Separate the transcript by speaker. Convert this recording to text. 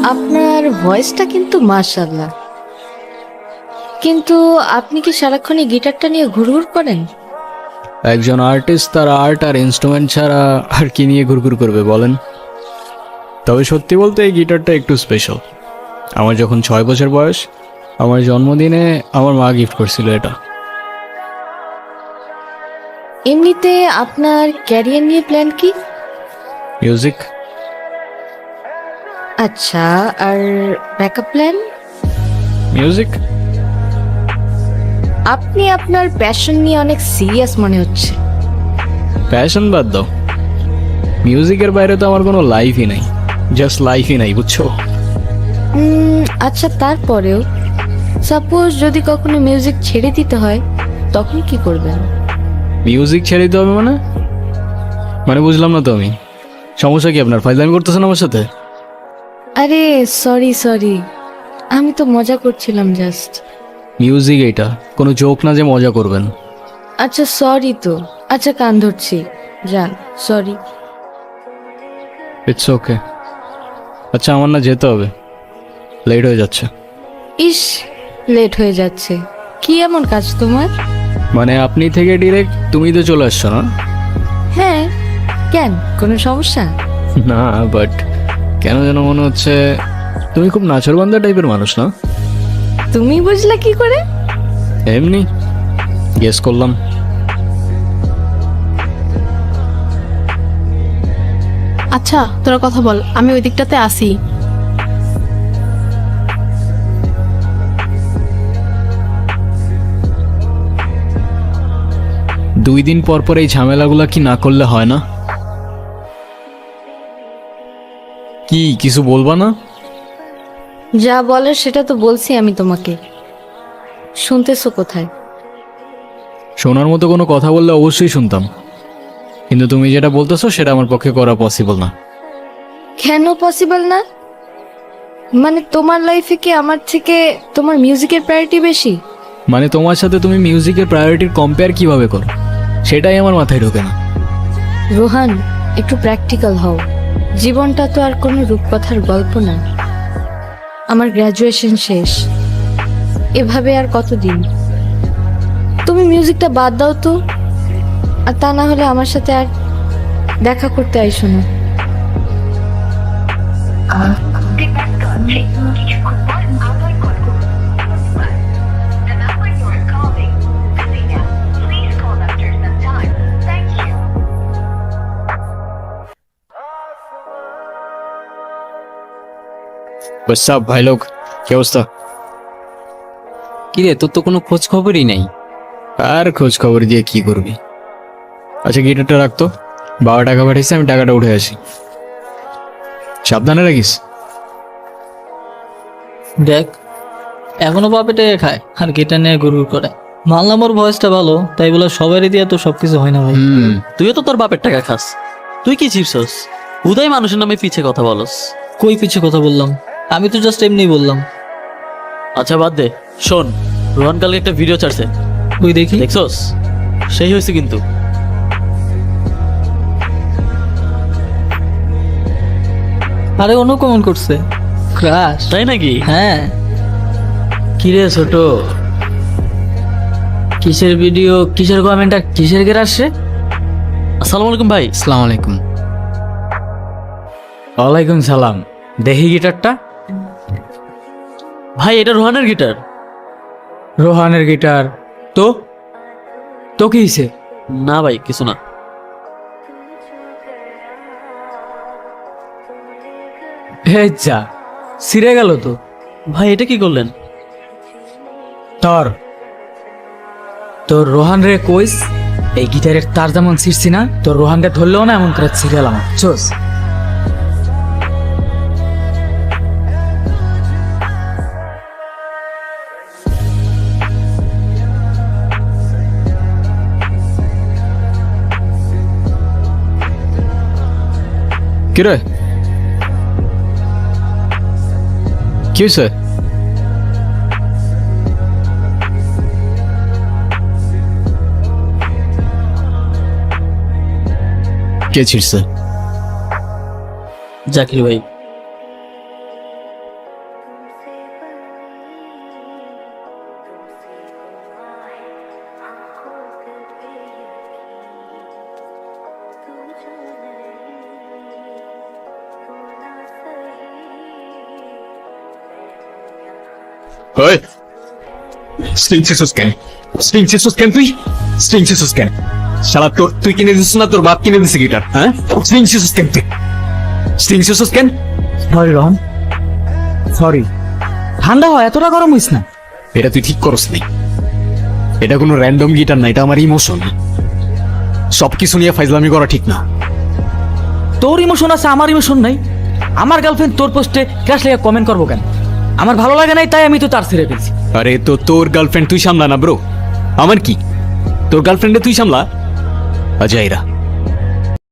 Speaker 1: আপনার ভয়েসটা কিন্তু মাশাআল্লাহ, কিন্তু আপনি কি সারাক্ষণ এই গিটারটা নিয়ে ঘুরঘুর করেন?
Speaker 2: একজন আর্টিস্ট তার আর্ট আর ইনস্ট্রুমেন্ট ছাড়া আর কি নিয়ে ঘুরঘুর করবে বলেন? তবে সত্যি বলতে এই গিটারটা একটু স্পেশাল। আমার যখন 6 বছর বয়স, আমার জন্মদিনে আমার মা গিফট করছিল এটা।
Speaker 1: এমনিতে আপনার ক্যারিয়ার নিয়ে প্ল্যান কি?
Speaker 2: মিউজিক।
Speaker 1: আচ্ছা, আর ব্যাকআপ প্ল্যান?
Speaker 2: মিউজিক।
Speaker 1: আপনি আপনার প্যাশন নিয়ে অনেক সিরিয়াস মনে হচ্ছে।
Speaker 2: প্যাশন বাদ দাও, মিউজিকের বাইরে তো আমার কোনো লাইফই নাই, জাস্ট লাইফই নাই, বুঝছো?
Speaker 1: আচ্ছা, তারপরেও সাপোজ যদি কখনো মিউজিক ছেড়ে দিতে হয় তখন কি করবেন?
Speaker 2: মিউজিক ছেড়ে দিতে হবে মানে? মানে বুঝলাম না তো আমি। সমস্যা কি আপনার? ফাইজলামি করতেছেন আমার সাথে?
Speaker 1: আরে সরি সরি, আমি তো মজা করছিলাম জাস্ট।
Speaker 2: মিউজিক এটা কোনো জোক না যে মজা করবেন।
Speaker 1: আচ্ছা সরি তো, আচ্ছা কান ধরছি, যান, সরি।
Speaker 2: It's okay. আচ্ছা আমার না যেতে হবে, লেট হয়ে যাচ্ছে।
Speaker 1: ইস, লেট হয়ে যাচ্ছে? কি এমন কাজ তোমার?
Speaker 2: মানে আপনি থেকে ডিরেক্ট তুমি তো চলে আসছো না?
Speaker 1: হ্যাঁ, কেন, কোনো সমস্যা?
Speaker 2: না, বাট কেন যেন মনে হচ্ছে তুমি খুব নাচরবান্ধা টাইপের মানুষ না?
Speaker 1: তুমি বুঝলে কি করে?
Speaker 2: এমনি গেস করলাম।
Speaker 3: আচ্ছা তোরা কথা বল, আমি ওই দিকটাতে আসি।
Speaker 2: দুই দিন পর পর এই ঝামেলাগুলা কি না করলে হয় না? কি কিছু বলবা না?
Speaker 1: যা বলার সেটা তো বলছি আমি তোমাকে, শুনতেছো কোথায়?
Speaker 2: শোনার মতো কোনো কথা বললে অবশ্যই শুনতাম, কিন্তু তুমি যেটা বলতেছো সেটা আমার পক্ষে করা পসিবল না।
Speaker 1: কেন পসিবল না? মানে তোমার লাইফে কি আমার থেকে তোমার মিউজিকের প্রায়োরিটি বেশি?
Speaker 2: মানে তোমার সাথে তুমি মিউজিকের প্রায়োরিটির কম্পেয়ার কিভাবে করো সেটাই আমার মাথায় ঢোকে না।
Speaker 1: রোহান, একটু প্র্যাকটিক্যাল হও। জীবনটা তো আর কোনো রূপকথার গল্প না। আমার গ্র্যাজুয়েশন শেষ, এভাবে আর কতদিন? তুমি মিউজিকটা বাদ দাও তো, আর তা না হলে আমার সাথে আর দেখা করতে আইসো না।
Speaker 2: সব ভাই লোক, কি অবস্থা?
Speaker 4: কিরে, তোর তো কোনো খোঁজ খবরই নাই।
Speaker 2: আর খোঁজ খবর দিয়ে কি করবি? আচ্ছা গিটারটা রাখতো, বাবা টাকা পাঠিয়েছে, আমি টাকাটা উঠে আসি। সাবধানে রাখিস।
Speaker 5: দেখ, এখনো বাপেটে খায় আর গিটার নিয়ে গুড়গুড় করে। মানলাম ওর ভয়েসটা ভালো, তাই বলে সবারই দিয়ে তো সবকিছু হয় না ভাই। তুইও তো তোর বাপের টাকা খাস, তুই কি চিপসস? উদয় মানুষের নামে পিছে কথা বলস। কই পিছে কথা বললাম? আমি তো জাস্ট এমনি বললাম। আচ্ছা বাদ দে, শোন, রোহান কালকে একটা ভিডিও ছাড়ছে, তুই দেখি দেখছস? সেই হয়েছে কিন্তু। আরে অন্য কমেন্ট করছে, ক্রাশ। তাই নাকি? হ্যাঁ। কিরে ছোট, কিসের ভিডিও, কিসের কমেন্ট আর কিসের ক্রাশ রে? আসসালামু আলাইকুম ভাই।
Speaker 4: আসসালামু আলাইকুম। ওয়ালাইকুম সালাম। দেখি গিটারটা।
Speaker 5: ভাই এটা রোহানের গিটার।
Speaker 4: রোহানের গিটার? তো তো কি হয়েছে?
Speaker 5: না ভাই কিছু না।
Speaker 4: হে যা, ছিঁড়ে গেল তো।
Speaker 5: ভাই এটা কি করলেন?
Speaker 4: তোর তোর রোহান রে কইস, এই গিটারের তার যেমন ছিঁড়ছি না, তোর রোহান রে ধরলেও না এমন করে ছিঁড়ে গেলাম। চোস
Speaker 2: কি রে, কি হয়েছে? কে ছিড়ছে?
Speaker 5: জাকির ভাই।
Speaker 6: ওই স্ট্রিং ছিসুস কেন? স্ট্রিং ছিসুস কেন তুই? স্ট্রিং ছিসুস কেন? শালা তুই কিনে দিছিস না তোর বাপ কিনে দিছে গিটার? হ্যাঁ, স্ট্রিং ছিসুস কেন তুই? স্ট্রিং ছিসুস কেন?
Speaker 4: Sorry Rohan, sorry. ঠান্ডা হয়, এতটা গরম হইস না।
Speaker 6: এটা তুই ঠিক করস নাই। এটা কোনো র্যান্ডম গিটার না, এটা আমার ইমোশন। সবকিছু নিয়ে ফাইজলামি করা ঠিক না।
Speaker 4: তোর ইমোশন আছে, আমার ইমোশন নাই। আমার গার্লফ্রেন্ড তোর পোস্টে ক্রাশ লেগে কমেন্ট করবো কেন? আমার ভালো লাগে নাই, তাই আমি তো তার ছেড়ে ফেলছি।
Speaker 6: আরে তো তোর গার্লফ্রেন্ড তুই সামলা না ব্রো, আমার কি? তোর গার্লফ্রেন্ডে তুই সামলা। আজাইরা